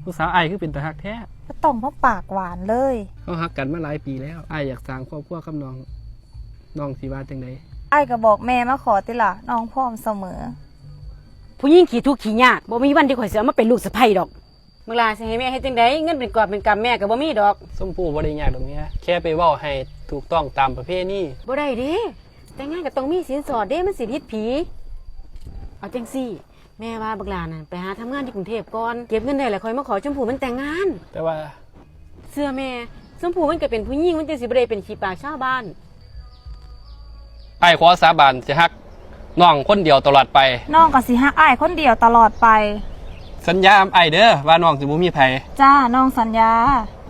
ผู้สาวไอ้คือเป็นตาฮักแท้ก็ต้องมาปากหวานเลยเขาฮักกันมาหลายปีแล้วไอ้อยากสร้างครอบครัวกับน้องสิว่าจังได๋ไอ้ก็บอกแม่มาขอติล่ะน้องพร้อมเสมอผู้หญิงขี้ทุกข์ขี้ยากบ่มีวันที่ข่อยสิเอามาเป็นลูกสะใภ้ดอกเมื่อลาสิให้แม่เฮ็ดจังได๋เงินเป็นกอบเป็นกำแม่ก็บ่มีดอกส้มผู้บ่ได้ยากดอกเมียแค่ไปเว้าให้ถูกต้องตามประเพณีบ่ได้เด้แต่งงานก็ต้องมีสินสอดเด้มันสิผิดผีเอาจังซี่แม่ว่าบักหลานั่นไปหาทำงานที่กรุงเทพก่อนเก็บเงินได้แล้วค่อยมาขอชมพู่มันแต่งงานแต่ว่าเสื้อแม่ชมพู่มันก็เป็นผู้หญิงมันจังสิบ่ได้เป็นขี้ปากชาวบ้านไอ้ขอสาบานสิฮักน้องคนเดียวตลอดไปน้องก็สิฮักอ้ายคนเดียวตลอดไปสัญญาไอ้เด้อว่าน้องสิบ่มีไผจ้าน้องสัญญา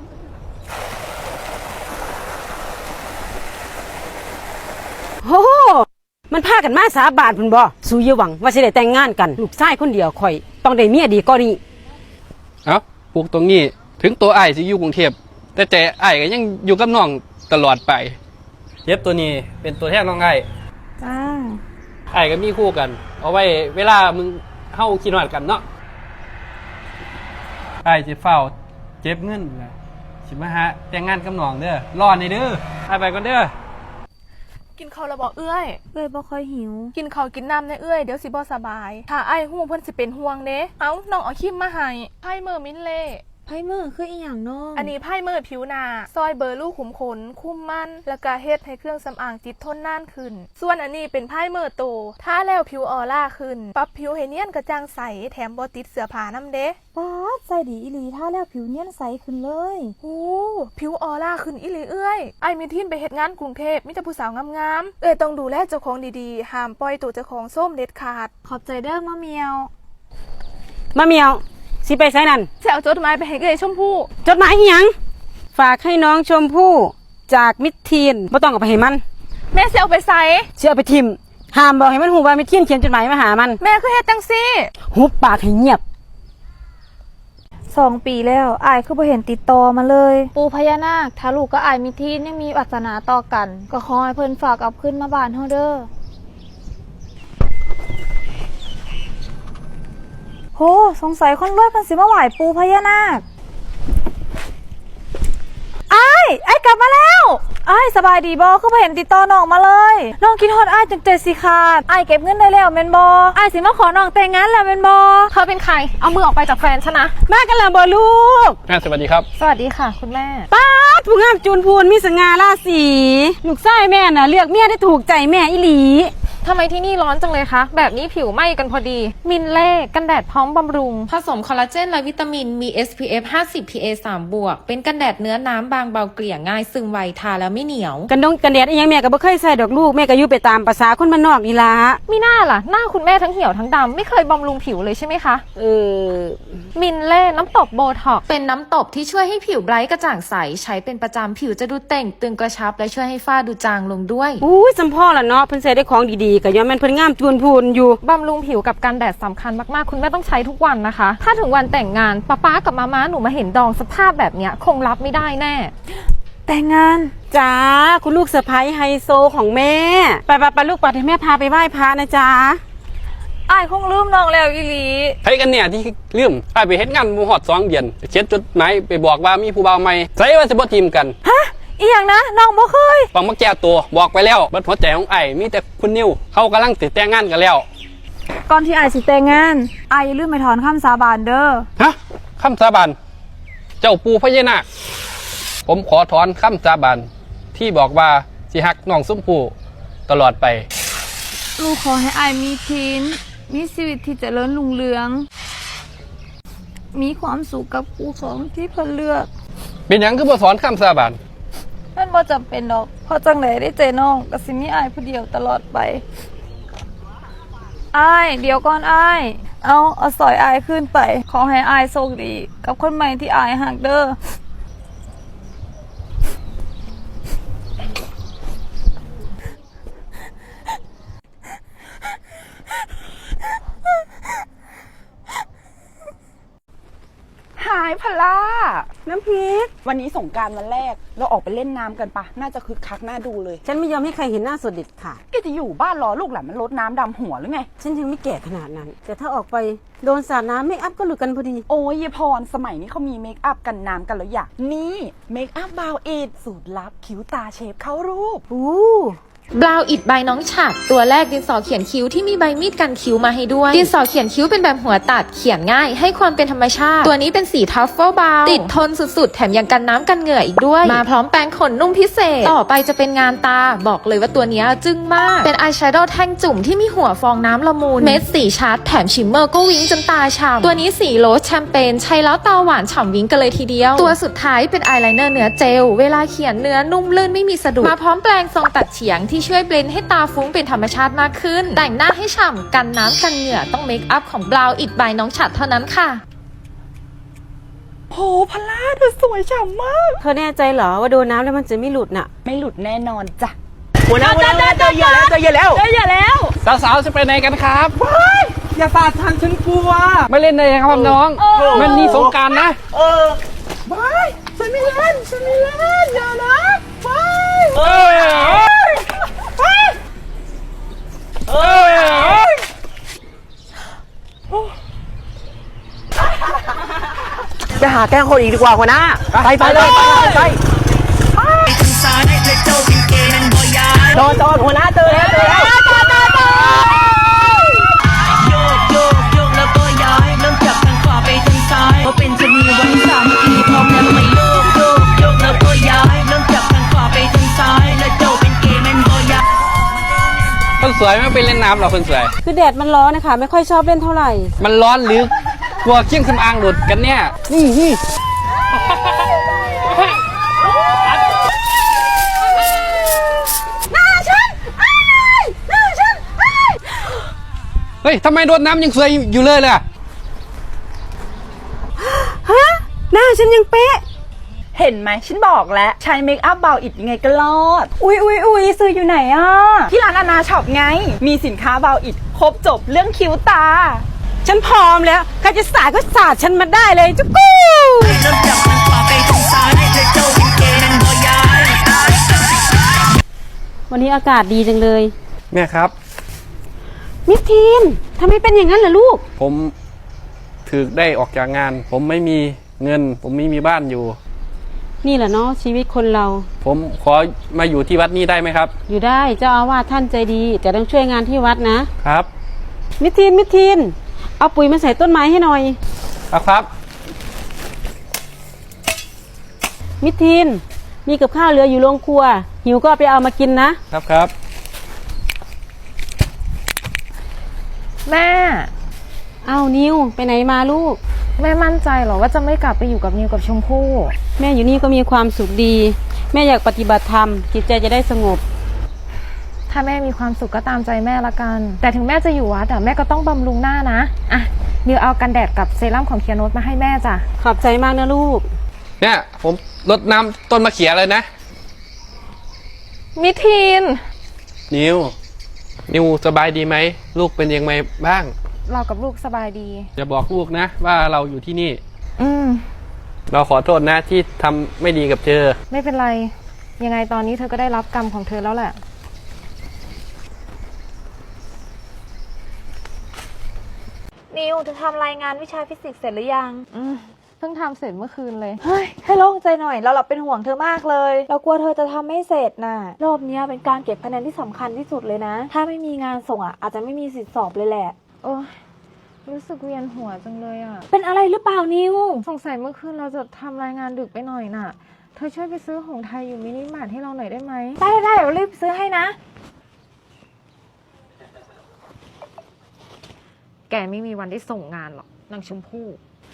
โอ้มันพากันมาสาบานพุ่นบ่สู้อย่าหวังว่าสิได้แต่งงานกันลูกชายคนเดียวข่อยต้องได้เมียดีกว่านี้เอ้าปลูกตรงนี้ถึงตัวไอ้สิอยู่กรุงเทพแต่ใจไอ้ก็ยังอยู่กับน้องตลอดไปเย็บตัวนี้เป็นตัวแทนน้องไอ้จ้าไอ้ก็มีคู่กันเอาไว้เวลามึงเฮาคิดฮอดกันเนาะไอ้สิเฝ้าเก็บเงินนะสิมาหาแต่งงานกับน้องเด้อรอในเด้อไอ้ไปก่อนเด้อกินข้าวแล้วบอกเอื้อยบ่ค่อยหิวกินข้าวกินน้ำในเอื้อยเดี๋ยวสิบ่สบายถ้าไอ้หูเพิ่นสิเป็นห่วงเด้เอ้าน้องเอาคิมมาให้ไพ่เมอร์มินเล่ไพ่เมอร์คืออีหยังน้องอันนี้ไพ่เมอร์ผิวหน้าซอยเบอร์ลูกขุมขนคุมมันแล้วก็เฮ็ดให้เครื่องสำอางติดทนนานขึ้นส่วนอันนี้เป็นไพ่เมอร์โตถ้าแล้วผิวออร่าขึ้นปรับผิวให้เนียนกระจ่างใสแถมบ่ติดเสื้อผ้านำเด้ป๊าดใส่ดีอีหลีถ้าแล้วผิวเนียนใสขึ้นเลยโอ้ผิวออร่าขึ้นอีหลีเอื้อยไอ้มีทินไปเฮ็ดงานกรุงเทพมีแต่ผู้สาวงามๆเอ้ยต้องดูแลเจ้าของดีๆห้ามปล่อยตัวเจ้าของส้มเด็ดขาดขอบใจเด้อมะเมียวมะเมียวสิไปไสนั่นจะเอาจดหมายไปให้เอ้ยชมพู่จดหมายอีหยังฝากให้น้องชมพู่จากมิตรทีนบ่ต้องเอาไปให้มันแม่สิเอาไปใส่สิเอาไปทิ่มห้ามบอกให้มันฮู้ว่ามิตรทีนเขียนจดหมายมาหามันแม่คือเฮ็ดจังซี่หุบปากให้เงียบ 2 ปีแล้วอ้ายคือบ่เห็นติดต่อมาเลยปู่พญานาคถ้าลูกกับอ้ายมีทียังมีวาสนาต่อกันก็ขอให้เพิ่นฝากเอาขึ้นมาบ้านเฮาเด้อโหสงสัยคนรวยเพิ่นสิมาไหว้ปู่พญานาคอ้ายกลับมาแล้วอ้ายสบายดีบ่คือบ่เห็นติดต่อน้องมาเลยน้องคิดฮอดอ้ายจนใจสิขาดอ้ายเก็บเงินได้แล้วแม่นบ่อ้ายสิมาขอน้องแต่งงานแล้วแม่นบ่เธอเป็นใครเอามือออกไปจากแฟนฉันนะแม่กันแล้วบ่ลูกแม่สวัสดีครับสวัสดีค่ะคุณแม่ป๊าดผู้งามจูนพูนมีสง่าราศีลูกชายแม่น่ะเลือกเมียได้ถูกใจแม่อีหลีทำไมที่นี่ร้อนจังเลยคะแบบนี้ผิวไหม้กันพอดีมินเล่กันแดดพร้อมบำรุงผสมคอลลาเจนและวิตามินมี SPF 50 PA 3 บวกเป็นกันแดดเนื้อน้ำบางเบาเกลี่ยง่ายซึมไวทาแล้วไม่เหนียวกันแดดอีหยังแม่ก็บ่เคยใส่ดอกลูกแม่ก็อยู่ไปตามภาษาคนบ้านนอกนี่ล่ะมีหน้าล่ะหน้าคุณแม่ทั้งเหี่ยวทั้งดำไม่เคยบำรุงผิวเลยใช่ไหมคะมินเล่น้ำตบโบท็อกเป็นน้ำตบที่ช่วยให้ผิวไบรท์กระจ่างใสใช้เป็นประจำผิวจะดูเต่งตึงกระชับและช่วยให้ฝ้าดูจางลงด้วยสำพ่อล่ะเนาะเพิ่นใส่ได้ของดีๆก็ย้อนมันเพิ่นงามจูนพูนอยู่บำรุงผิวกับกันแดดสำคัญมากๆคุณแม่ต้องใช้ทุกวันนะคะถ้าถึงวันแต่งงานป๊ากับม้าหนูมาเห็นดองสภาพแบบเนี้ยคงรับไม่ได้แน่แต่งงานจ้าคุณลูกสะใภ้ไฮโซของแม่ไปลูกปัดให้แม่พาไปไหว้พระนะจ๊ะอ้ายคงลืมน้องแล้วอีหลีใครกันเนี่ยที่ลืมไอ้ไปเฮ็ดงานบ่ฮอด2 เดือนเขียนจดหมายไปบอกว่ามีผู้บ่าวใหม่ใส่ว่าสิบ่ทีมกันฮะอีหยังนะน้องบ่เคยฟังมาแก้ตัวบอกไปแล้วเบิดหัวใจของไอ้มีแต่คุณนิวเขากำลังติดแต่งงานกันแล้วก่อนที่อ้ายสิแต่งงานอ้ายอย่าลืมไปถอนคำสาบานเด้อฮะคำสาบานเจ้าปู่พญานาคผมขอถอนคำสาบานที่บอกว่าสิฮักน้องชมพู่ตลอดไปลูกขอให้อ้ายมีทีนมีชีวิตที่เจริญรุ่งเรืองมีความสุขกับคู่ของที่เพิ่นเลือกเป็นหยังคือบ่ถอนคำสาบานมันบ่จำเป็นดอกเพราะจังได๋ได้เจอน้องก็สิมีอ้ายผู้เดียวตลอดไปอ้ายเดี๋ยวก่อนอ้ายเอาสอยอ้ายขึ้นไปขอให้อ้ายโชคดีกับคนใหม่ที่อ้ายฮักเด้อหายพล่าน้ำพริกวันนี้สงกรานต์วันแรกเราออกไปเล่นน้ำกันปะน่าจะคึกคักน่าดูเลยฉันไม่ยอมให้ใครเห็นหน้าสดเด็ดค่ะแกจะอยู่บ้านรอลูกหลานมันรดน้ำดำหัวหรือไงฉันยังไม่แก่ขนาดนั้นแต่ถ้าออกไปโดนสาดน้ำเมคอัพก็หลุดกันพอดีโอ้ยยายพรสมัยนี้เขามีเมคอัพกันน้ำกันแล้วอยากนี่เมคอัพบาวอิดสูตรลับคิ้วตาเชฟเข้ารูปบราวอิดใบน้องฉัดตัวแรกดินสอเขียนคิ้วที่มีใบมีดกันคิ้วมาให้ด้วยดินสอเขียนคิ้วเป็นแบบหัวตัดเขียนง่ายให้ความเป็นธรรมชาติตัวนี้เป็นสีทัฟเฟิลบราวน์ติดทนสุดๆแถมยังกันน้ำกันเหงื่ออีกด้วยมาพร้อมแปรงขนนุ่มพิเศษต่อไปจะเป็นงานตาบอกเลยว่าตัวนี้จึ้งมากเป็นอายแชโดว์แท่งจุ่มที่มีหัวฟองน้ำละมุนเม็ดสีชัดแถมชิมเมอร์ก็วิ้งจนตาฉ่ำตัวนี้สีโรสแชมเปญใช้แล้วตาหวานฉ่ำวิ้งกันเลยทีเดียวตัวสุดท้ายเป็นอายไลเนอร์เนื้อเจลเวลาเขียนเนื้อนุ่มลื่นไม่มีสะดุดมาพร้อมแปรงทรงตัดเฉียงที่ช่วยเบลนด์ให้ตาฟุ้งเป็นธรรมชาติมากขึ้นแต่งหน้าให้ฉ่ำกันน้ำกันเหงื่อต้องเมคอัพของบราวอิดบายน้องฉัดเท่านั้นค่ะโหพลาเธอสวยฉ่ำมากเธอแน่ใจเหรอว่าโดนน้ำแล้วมันจะไม่หลุดน่ะไม่หลุดแน่นอนจ้ะหัวหน้าเจอเหยื่อแล้วเจอเหยื่อแล้วอย่าแล้วสาวๆจะไปไหนกันครับอย่าสาดทันฉันกลัวไม่เล่นเลยครับน้อง มันนี่สงกรานต์นะเออไม่ฉันไม่เล่นอย่านะไม่เอ้ยเอ้ยไปหาแกล้งคนอีกดีกว่าหัวหน้าไปเลยไปจอดหัวหน้าเจอแล้วโยกแล้วก็ย้ายเริ่มจากทางขวาไปทางซ้ายเพราะเป็นชนีวันสามทีพร้อมแล้วไม่โยกแล้วก็ย้ายเริ่มจากทางขวาไปทางซ้ายและเจ้าเป็นเกย์แมนบอยาคนสวยไม่ไปเล่นน้ำหรอคนสวยคือแดดมันร้อนนะคะไม่ค่อยชอบเล่นเท่าไหร่มันร้อนหรือกลัวเครื่องสำอางหลุดกันเนี่ย นี่เฮ้ยทำไมโดนน้ำยังสวยอยู่เลยล่ะหน้าฉันยังเป๊ะเห็นไหมฉันบอกแล้วใช้เมคอัพบาวอิดยังไงก็รอด อุ๊ยซื้ออยู่ไหนอ่ะ ที่ร้านอาณาช็อปไง มีสินค้าบาวอิดครบจบเรื่องคิ้วตาฉันพร้อมแล้วใครจะสาดก็สาดฉันมาได้เลยจุ๊กู้เริ่มจากทางขวาไปทางซ้ายและเจ้าเป็นเกย์แมนบอยาวันนี้อากาศดีจังเลยแม่ครับมิสทีนทำไมเป็นอย่างนั้นล่ะลูกผมถึกได้ออกจากงาน ผมไม่มีเงิน ผมไม่มีบ้านอยู่นี่แหละเนาะชีวิตคนเราผมขอมาอยู่ที่วัดนี้ได้ไหมครับอยู่ได้เจ้าอาวาสท่านใจดีแต่ต้องช่วยงานที่วัดนะครับมิสทีนเอาปุ๋ยมาใส่ต้นไม้ให้หน่อยครับมิสทีนมีกับข้าวเหลืออยู่โรงครัว หิวก็เอาไปเอามากินนะครับแม่เอานิวไปไหนมาลูกแม่มั่นใจเหรอว่าจะไม่กลับไปอยู่กับนิวกับชมพู่แม่อยู่นี่ก็มีความสุขดี แม่อยากปฏิบัติธรรมจิตใจจะได้สงบถ้าแม่มีความสุขก็ตามใจแม่ละกัน แต่ถึงแม่จะอยู่วัดแม่ก็ต้องบำรุงหน้านะอ่ะนิวเอากันแดดกับเซรั่มของเคียโนตมาให้แม่จ้ะขอบใจมากนะลูกเนี่ยผมรดน้ำต้นมะเขือเลยนะมิทีนนิวสบายดีไหม ลูกเป็นยังไงบ้างเรากับลูกสบายดีอย่าบอกลูกนะว่าเราอยู่ที่นี่อืมเราขอโทษนะที่ทำไม่ดีกับเธอไม่เป็นไร ยังไงตอนนี้เธอก็ได้รับกรรมของเธอแล้วแหละนิวเธอทำรายงานวิชาฟิสิกส์เสร็จหรือยังเพิ่งทำเสร็จเมื่อคืนเลยเฮ้ยให้โล่งใจหน่อยเราเป็นห่วงเธอมากเลยเรากลัวเธอจะทำไม่เสร็จน่ะรอบเนี้ยเป็นการเก็บคะแนนที่สำคัญที่สุดเลยนะ ถ้าไม่มีงานส่งอาจจะไม่มีสิทธิสอบเลยแหละโอ้ยรู้สึกเวียนหัวจังเลยอ่ะเป็นอะไรหรือเปล่านิวสงสัยเมื่อคืนเราจะทำรายงานดึกไปหน่อยน่ะ เธอช่วยไปซื้อหงส์ไทยอยู่มินิมาร์ทให้เราหน่อยได้ไหมได้เดี๋ยวรีบซื้อให้นะแกไม่มีวันได้ส่งงานหรอกนางชมพู่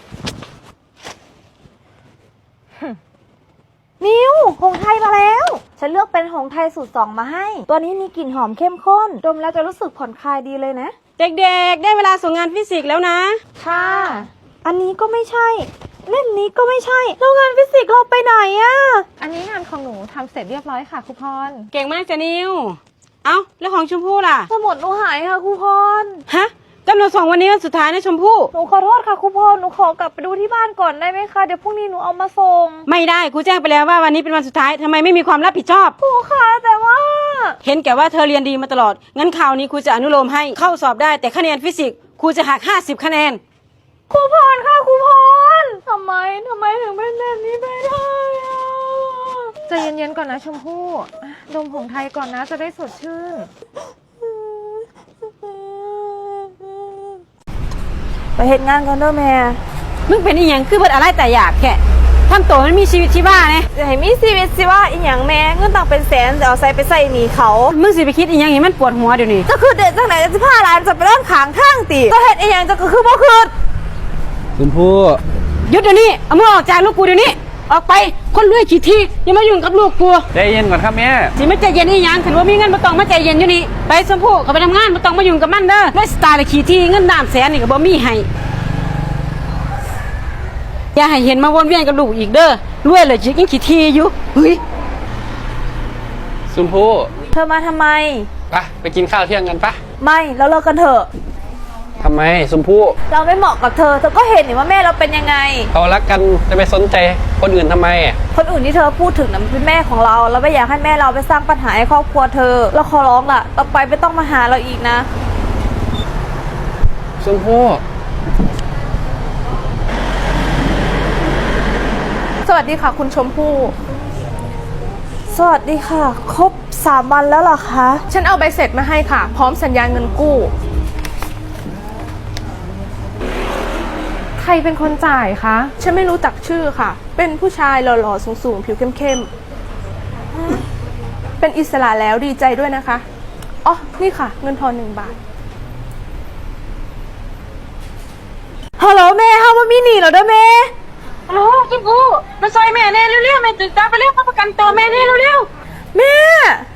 นิวหงส์ไทยมาแล้ว ฉันเลือกเป็นหงส์ไทยสูตร2มาให้ ตัวนี้มีกลิ่นหอมเข้มข้นดมแล้วจะรู้สึกผ่อนคลายดีเลยนะเด็กๆได้เวลาส่งงานฟิสิกส์แล้วนะค่ะ อันนี้ก็ไม่ใช่ เล่มนี้ก็ไม่ใช่แล้วงานฟิสิกส์เราไปไหนอะอันนี้งานของหนูทำเสร็จเรียบร้อยค่ะครูพรเก่งมากจ้ะนิว เอ้าแล้วของชมพู่ล่ะสมุดหนูหายค่ะครูพรฮะกำหนดส่งวันนี้วันสุดท้ายนะชมพู่หนูขอโทษค่ะครูพรหนูขอกลับไปดูที่บ้านก่อนได้ไหมคะเดี๋ยวพรุ่งนี้หนูเอามาส่งไม่ได้ครูแจ้งไปแล้วว่าวันนี้เป็นวันสุดท้ายทำไมไม่มีความรับผิดชอบครูคะแต่ว่าเห็นแก่ว่าเธอเรียนดีมาตลอดงั้นคราวนี้ครูจะอนุโลมให้เข้าสอบได้แต่คะแนนฟิสิกส์ครูจะหัก50 คะแนนครูพรค่ะครูพรทำไมถึงเป็นแบบนี้ไปได้อะใจเย็นๆก่อนนะชมพู่ดมผงไทยก่อนนะจะได้สดชื่นไปเฮ็ดงานก่อนเด้อแม่มึงเป็นอีหยังคือเบิดอะไรแต่อยากแค่ทำตัวมันมีชีวิตชีวาเนี่ยจะให้มีชีวิตสิว่าอีหยังแม่เงินต่างเป็นแสนจะเอาใส่ไปใส่หนี้เขามึงสิไปคิดอีหยังให้มันปวดหัวเดี๋ยวนี้จะคือเด็ดจังไหนจะ15 ล้านจะไปเล่นขางข้างติก็เฮ็ดอีหยังจะก็คือบ่คืนชมพู่หยุดเดี๋ยวนี้เอามือออกจากลูกกูเดี๋ยวนี้ออกไปคนรวยขี้ที่อย่ามายุ่งกับลูกกูใจเย็นก่อนครับแม่สิมาใจเย็นอีหยังถือว่ามีเงินบ่ต้องมาใจเย็นอยู่นี่ไปชมพู่เขาไปทำงานบ่ต้องมายุ่งกับมันเด้อด้วยสไตล์ขี้ที่เงิน300,000นี่ก็บ่มีให้อย่าให้เห็นมาวนเวียนกับลูกอีกเด้อรวยเลยจิกยังขี้ที่อยู่เฮ้ยชมพู่เธอมาทำไมไปกินข้าวเที่ยงกันปะไม่เราเลิกกันเถอะทำไมชมพู่เราไม่เหมาะกับเธอก็เห็นนี่ว่าแม่เราเป็นยังไงเขารักกันจะไปสนใจคนอื่นทำไมคนอื่นที่เธอพูดถึงนั้นเป็นแม่ของเราไม่อยากให้แม่เราไปสร้างปัญหาให้ครอบครัวเธอเราขอร้องล่ะต่อไปไม่ต้องมาหาเราอีกนะชมพู่สวัสดีค่ะคุณชมพู่สวัสดีค่ะ ครบ3 วันแล้วเหรอคะฉันเอาใบเสร็จมาให้ค่ะ พร้อมสัญญาเงินกู้ใครเป็นคนจ่ายคะฉันไม่รู้จักชื่อค่ะ เป็นผู้ชายหล่อๆสูงๆผิวเข้มๆเป็นอิสระแล้วดีใจด้วยนะคะอ๋อนี่ค่ะ เงินทอน1 บาทฮัลโหลแม่เฮาว่ามีหนีเหรอเด้อแม่ฮัลโหลชมพู่มาซอยแม่แน่เร็วๆแม่ตื่นตาไปเร็วมาประกันตัวแม่แน่เร็วๆแม่